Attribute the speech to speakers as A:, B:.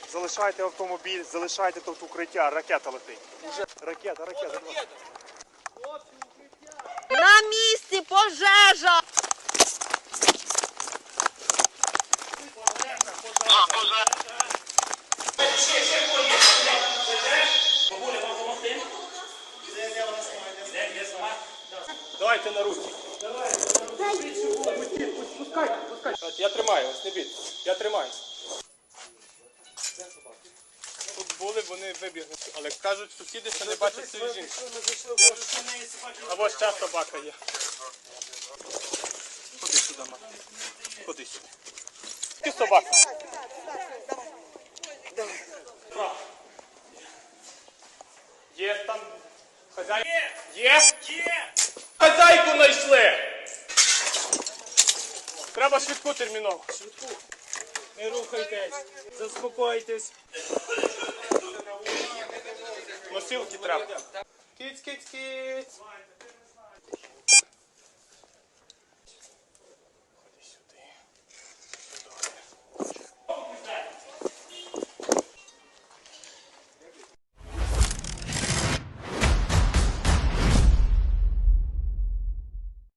A: Залишайте автомобіль, залишайте тут укриття, ракета летить. Уже ракета.
B: На місці пожежа!
A: Давайте на руки. Пускайте. Я тримаю, ось не бійте. Я тримаю. Тут були, вони вибігли. Але кажуть сусіди, що не бачать цієї жінки. Або ще собака є. Ходи сюди, мама. Ходи сюди. Ти собака. Є там хазяйка? Є? Є! Хазяйку знайшли! Треба швидку терміново. Швидку. Не рухайтесь. Заспокойтесь. Носилки треба. Киць.